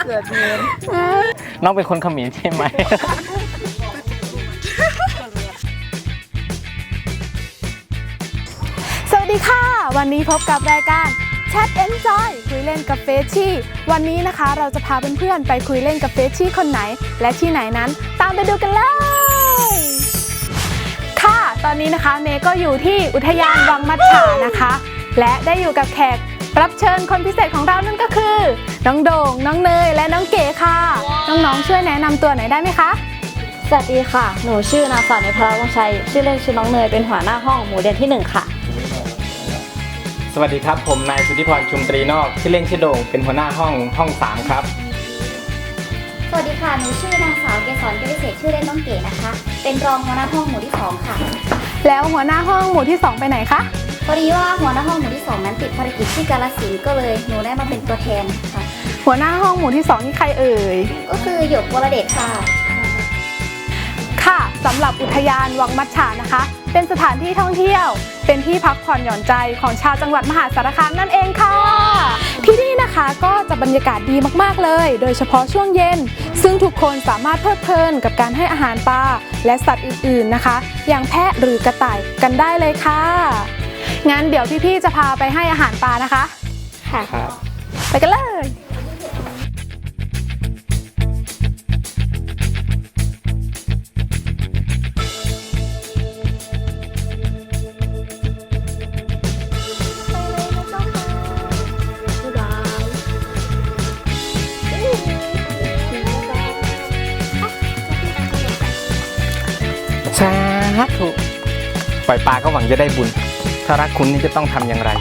เกิดเมียนน้องเป็นคนเขมรใช่ไหมสวัสดีค่ะวันนี้พบกับรายการแชทเอนจอยคุยเล่นกับเฟชชี่วันนี้นะคะเราจะพาเพื่อนๆไปคุยเล่นกับเฟชชี่คนไหนและที่ไหนนั้นตามไปดูกันเลยค่ะตอนนี้นะคะเมย์ก็อยู่ที่อุทยานวังมัจฉานะคะและได้อยู่กับแขกรับเชิญคนพิเศษของเรานั่นก็คือน้องโด่งน้องเนยและน้องเก๋ค่ะน้องๆช่วยแนะนำตัวหน่อยได้ไหมคะสวัสดีค่ะหนูชื่อนางสาวเนยพลาวงชัยชื่อเล่นชื่อน้องเนยเป็นหัวหน้าห้องหมู่เรียนที่1ค่ะสวัสดีครับผมนายสุทธิพรชุมตรีนอกชื่อเล่นชื่อโด่งเป็นหัวหน้าห้อง3ครับสวัสดีค่ะหนูชื่อนางสาวเกษรเกษเศษชื่อเล่นน้องเก๋นะคะเป็นรองหัวหน้าห้องหมู่ที่2ค่ะแล้วหัวหน้าห้องหมู่ที่2ไปไหนคะพอดีว่าหัวหน้าห้องหมู่ที่2นั้นติดภารกิจที่กาฬสินธุ์ก็เลยหนูได้มาเป็นตัวแทนค่ะหัวหน้าห้องหมู่ที่2นี่ใครเอ่ยก็คือหยกวรเดชค่ะค่ะสำหรับอุทยานวังมัจฉานะคะเป็นสถานที่ท่องเที่ยวเป็นที่พักผ่อนหย่อนใจของชาวจังหวัดมหาสารคามนั่นเองค่ะที่นี่นะคะก็จะบรรยากาศดีมากๆเลยโดยเฉพาะช่วงเย็นซึ่งทุกคนสามารถเพลิดเพลินกับการให้อาหารปลาและสัตว์อื่นๆนะคะอย่างแพะหรือกระต่ายกันได้เลยค่ะงั้นเดี๋ยวพี่ๆจะพาไปให้อาหารปลานะคะค่ะไปกันเลยสาธุปล่อยปลาก็หวังจะได้บุญถ้ารักคุณนี่จะต้องทำอย่างไร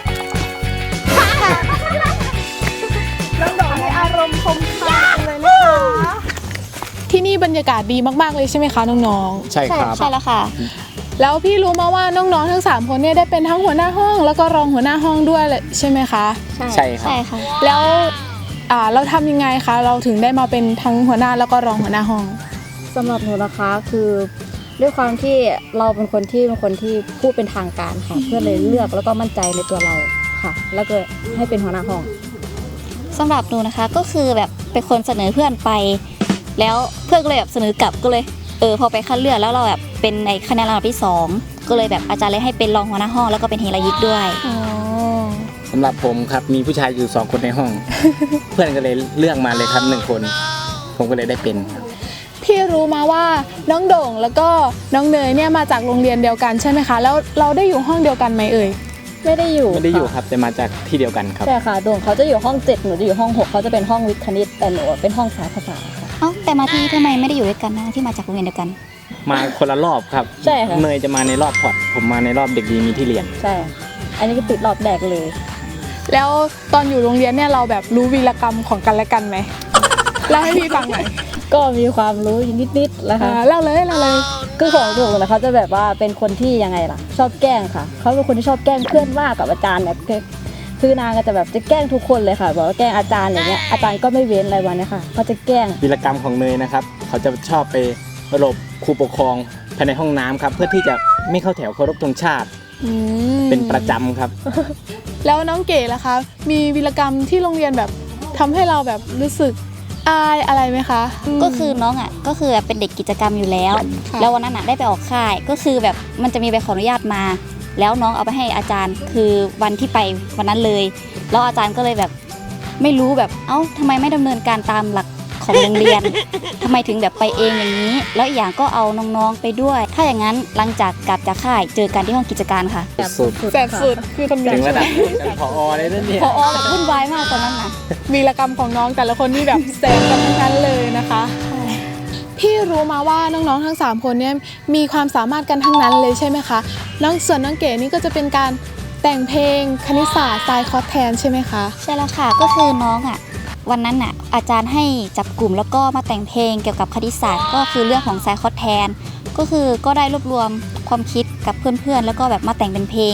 น้องดอกมีอารมณ์คมคายเลยนะคะที่นี่บรรยากาศดีมากๆเลยใช่ไหมคะน้องๆใช่ครับใช่แล้วค่ะแล้วพี่รู้มาว่าน้องๆทั้ง3คนเนี่ยได้เป็นทั้งหัวหน้าห้องแล้วก็รองหัวหน้าห้องด้วยใช่ไหมคะใช่ครับใช่ค่ะแล้วเราทำยังไงคะเราถึงได้มาเป็นทั้งหัวหน้าแล้วก็รองหัวหน้าห้องสำหรับหนูนะคะคือด้วยความที่เราเป็นคนที่พูดเป็นทางการค่ะเพื่อนเลยเลือกแล้วก็มั่นใจในตัวเราค่ะแล้วก็ให้เป็นหัวหน้าห้องสำหรับหนูนะคะก็คือแบบเป็นคนเสนอเพื่อนไปแล้วเพื่อนก็เลยแบบเสนอกลับก็เลยพอไปคัดเลือกแล้วเราแบบเป็นในคะแนนลำดับที่2ก็เลยแบบอาจารย์เลยให้เป็นรองหัวหน้าห้องแล้วก็เป็นเฮรายิกด้วยสำหรับผมครับมีผู้ชายอยู่2คนในห้อง เพื่อนก็เลยเลือกมาเลยครับ1คนผมก็เลยได้เป็นพี่รู้มาว่าน้องโด่งแล้วก็น้องเนยเนี่ยมาจากโรงเรียนเดียวกันใช่ไหมคะแล้วเราได้อยู่ห้องเดียวกันไหมเอ่ยไม่ได้อยู่ครับแต่มาจากที่เดียวกันครับใช่ค่ะโด่งเขาจะอยู่ห้อง7หนูจะอยู่ห้อง6เขาจะเป็นห้องวิทย์คณิตแต่หนูเป็นห้องสายภาษาค่ะแต่มาที่ทำไมไม่ได้อยู่ด้วยกันนะที่มาจากโรงเรียนเดียวกันมาคนละรอบครับใช่ค่ะเนยจะมาในรอบพอร์ตผมมาในรอบเด็กดีมีที่เรียนใช่อันนี้ก็ติดรอบแรกเลยแล้วตอนอยู่โรงเรียนเนี่ยเราแบบรู้วีรกรรมของกันและกันไหมเล่าให้พี่ฟังหน่อยก็มีความรู้นิดๆแล้วค่ะเล่าเลยคือของโด่งนะเขาจะแบบว่าเป็นคนที่ยังไงล่ะชอบแกล้งค่ะเขาเป็นคนที่ชอบแกล้งเพื่อนมากกับอาจารย์เนี่ยคือนางก็จะแบบจะแกล้งทุกคนเลยค่ะบอกว่าแกล้งอาจารย์อย่างเงี้ยอาจารย์ก็ไม่เว้นอะไรวันนี้ค่ะเขาจะแกล้งวีรกรรมของเนยนะครับเขาจะชอบไปรบครูปกครองภายในห้องน้ำครับเพื่อที่จะไม่เข้าแถวเคารพธงชาติเป็นประจำครับแล้วน้องเก๋ล่ะคะมีวีรกรรมที่โรงเรียนแบบทำให้เราแบบรู้สึกอายอะไรไหมคะก็คือน้องก็คือเป็นเด็กกิจกรรมอยู่แล้วแล้ววันนั้นได้ไปออกค่ายก็คือแบบมันจะมีใบขออนุญาตมาแล้วน้องเอาไปให้อาจารย์คือวันที่ไปวันนั้นเลยแล้วอาจารย์ก็เลยแบบไม่รู้แบบทำไมไม่ดำเนินการตามหลักของโรงเรียน ทำไมถึงแบบไปเองอย่างนี้แล้วอีกอย่างก็เอาน้องๆไปด้วยถ้าอย่างนั้นหลังจากกลับจากค่ายเจอกันที่ห้องกิจการค่ะแสบสุดคือคำนี้ถึงระดับผอเลยนั่นเนี่ยผอแบบวุ่นวายมากตอนนั้นนะวีรกรรมของน้องแต่ละคนนี่แบบแสบกันทั้งนั้นเลยนะคะพี่รู้มาว่าน้องๆทั้ง3คนเนี่ยมีความสามารถกันทั้งนั้นเลยใช่ไหมคะส่วนน้องเก๋นี่ก็จะเป็นการแต่งเพลงคณิตศาสตร์สายคอร์สแทนใช่ไหมคะใช่แล้วค่ะก็คือน้องวันนั้นอาจารย์ให้จับกลุ่มแล้วก็มาแต่งเพลงเกี่ยวกับคณิตศาสตร์ก็คือเรื่องของไซคอร์สแทนก็คือก็ได้รวบรวมความคิดกับเพื่อนๆแล้วก็แบบมาแต่งเป็นเพลง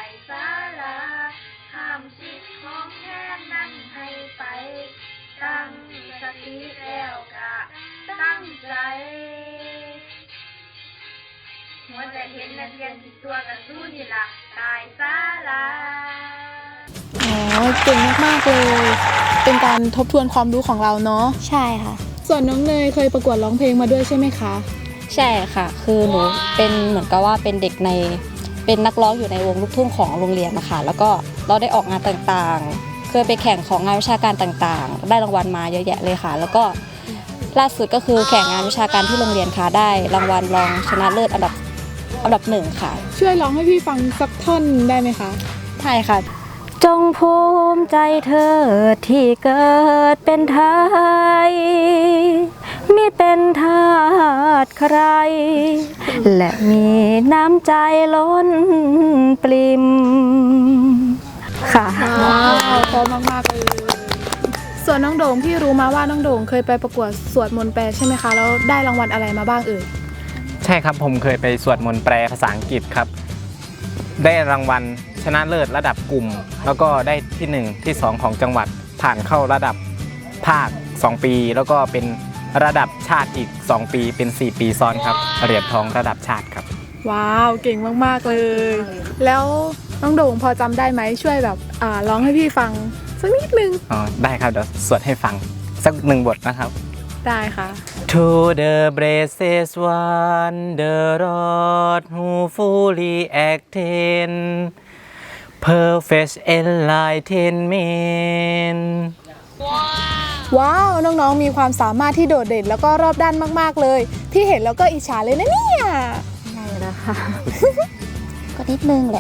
หัวใจเห็นนักเรียนผิดตัวกันสู้นี่ล่ะตายซะละเก่งมากๆเลยเป็นการทบทวนความรู้ของเราเนาะใช่ค่ะส่วนน้องเนยเคยประกวดร้องเพลงมาด้วยใช่ไหมคะใช่ค่ะ คือหนูเป็นเหมือนกับว่าเป็นเด็กเป็นนักร้องอยู่ในวงลูกทุ่งของโรงเรียนนะคะแล้วก็เราได้ออกงานต่างๆเคยไปแข่งของงานวิชาการต่างๆได้รางวัลมาเยอะแยะเลยค่ะ แล้วก็ล่าสุดก็คือแข่งงานวิชาการที่โรงเรียนค่ะได้รางวัลรองชนะเลิศอันดับหนึ่งค่ะช่วยร้องให้พี่ฟังสักท่อนได้ไหมคะใช่ค่ะ จงภูมิใจเธอที่เกิดเป็นไทยมิเป็นทาสใคร และมีน้ำใจล้นปริ่มค่ะว้าวพร้อมมากๆเลยส่วนน้องโด่งพี่รู้มาว่าน้องโด่งเคยไปประกวดสวดมนต์แปลใช่ไหมคะแล้วได้รางวัลอะไรมาบ้างเอ่ยใช่ครับผมเคยไปสวดมนต์แปลภาษาอังกฤษครับได้รางวัลชนะเลิศระดับกลุ่ม แล้วก็ได้ที่1ที่2ของจังหวัดผ่านเข้าระดับภาค2ปีแล้วก็เป็นระดับชาติอีก2ปีเป็น4ปีซ้อนครับเหรียญทองระดับชาติครับว้าวเก่งมากๆเลย แล้วน้องโด่งพอจำได้ไหมช่วยแบบร้องให้พี่ฟังสักนิดนึงอ๋อได้ครับเดี๋ยวสวดให้ฟังสัก1 บทนะครับได้ค่ะ To the braces one the rod who fully attend perfect enlightenment ว้าวน้องๆมีความสามารถที่โดดเด่นแล้วก็รอบด้านมากๆเลยพี่เห็นแล้วก็อิจฉาเลยนะเนี่ยใช่แล้วค่ะก็นิดนึงแหละ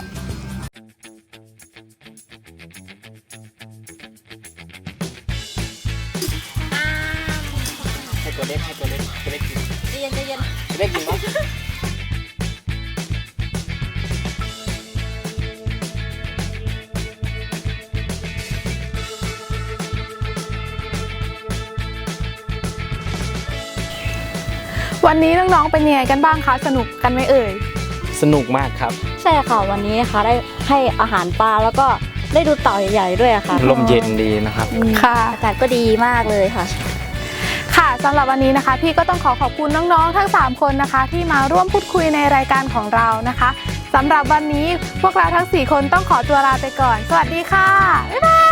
ให้ตัวเล็กกินเย็นเล็กกินมั้ยวันนี้น้องๆเป็นยังไงกันบ้างคะสนุกกันไหมเอ่ยสนุกมากครับใช่ค่ะวันนี้นะคะได้ให้อาหารปลาแล้วก็ได้ดูเต่าใหญ่ๆด้วยค่ะลมเย็นดีนะครับค่ะอากาศก็ดีมากเลยค่ะค่ะสำหรับวันนี้นะคะ พี่ก็ต้องขอบคุณน้องๆทั้ง3คนนะคะ ที่มาร่วมพูดคุยในรายการของเรานะคะสำหรับวันนี้พวกเราทั้ง4คนต้องขอตัวลาไปก่อนสวัสดีค่ะบ๊ายบาย